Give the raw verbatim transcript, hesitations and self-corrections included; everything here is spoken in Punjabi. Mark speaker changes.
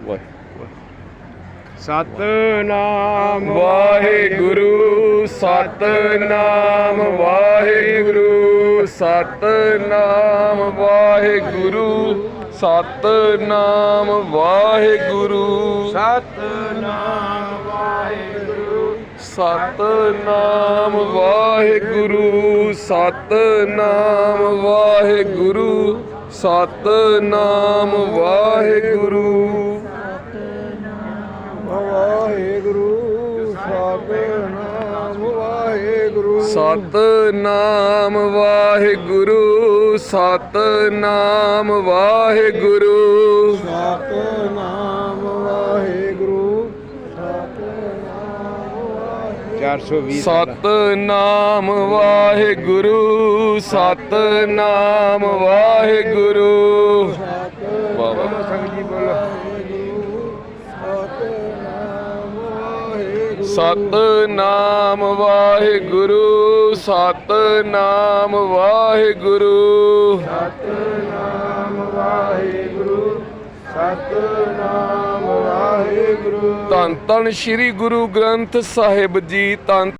Speaker 1: ਵਾਹਿਗੁਰੂ
Speaker 2: ਸਤਨਾਮ
Speaker 1: ਵਾਹਿਗੁਰੂ ਸਤਨਾਮ ਵਾਹਿਗੁਰੂ ਸਤਨਾਮ ਵਾਹਿਗੁਰੂ ਸਤਨਾਮ ਵਾਹਿਗੁਰੂ
Speaker 2: ਸਤਨਾਮ ਵਾਹਿਗੁਰੂ
Speaker 1: ਸਤਨਾਮ ਵਾਹਿਗੁਰੂ ਸਤਨਾਮ ਵਾਹਿਗੁਰੂ ਸਤਨਾਮ ਵਾਹਿਗੁਰੂ
Speaker 2: ਸਤਨਾਮ ਵਾਹਿਗੁਰੂ
Speaker 1: ਸਤਨਾਮ ਵਾਹਿਗੁਰੂ
Speaker 2: ਸਤਨਾਮ ਵਾਹਿਗੁਰੂ ਸਤਨਾਮ ਵਾਹਿਗੁਰੂ ਚਾਰ ਸੌ ਵੀਹ
Speaker 1: ਸਤਨਾਮ ਵਾਹਿਗੁਰੂ ਸਤਨਾਮ ਵਾਹਿਗੁਰੂ ਵਾਹ ਵਾਹ
Speaker 2: ਸੰਗਤ ਜੀ ਬੋਲੋ
Speaker 1: ਸਤਨਾਮ ਵਾਹਿਗੁਰੂ ਸਤਨਾਮ ਵਾਹਿਗੁਰੂ
Speaker 2: ਸਤਨਾਮ ਵਾਹਿਗੁਰੂ ਸਤਨਾਮ ਵਾਹਿਗੁਰੂ
Speaker 1: ਧੰਨ ਧੰਨ ਸ੍ਰੀ ਗੁਰੂ ਗ੍ਰੰਥ ਸਾਹਿਬ ਜੀ ਧੰਨ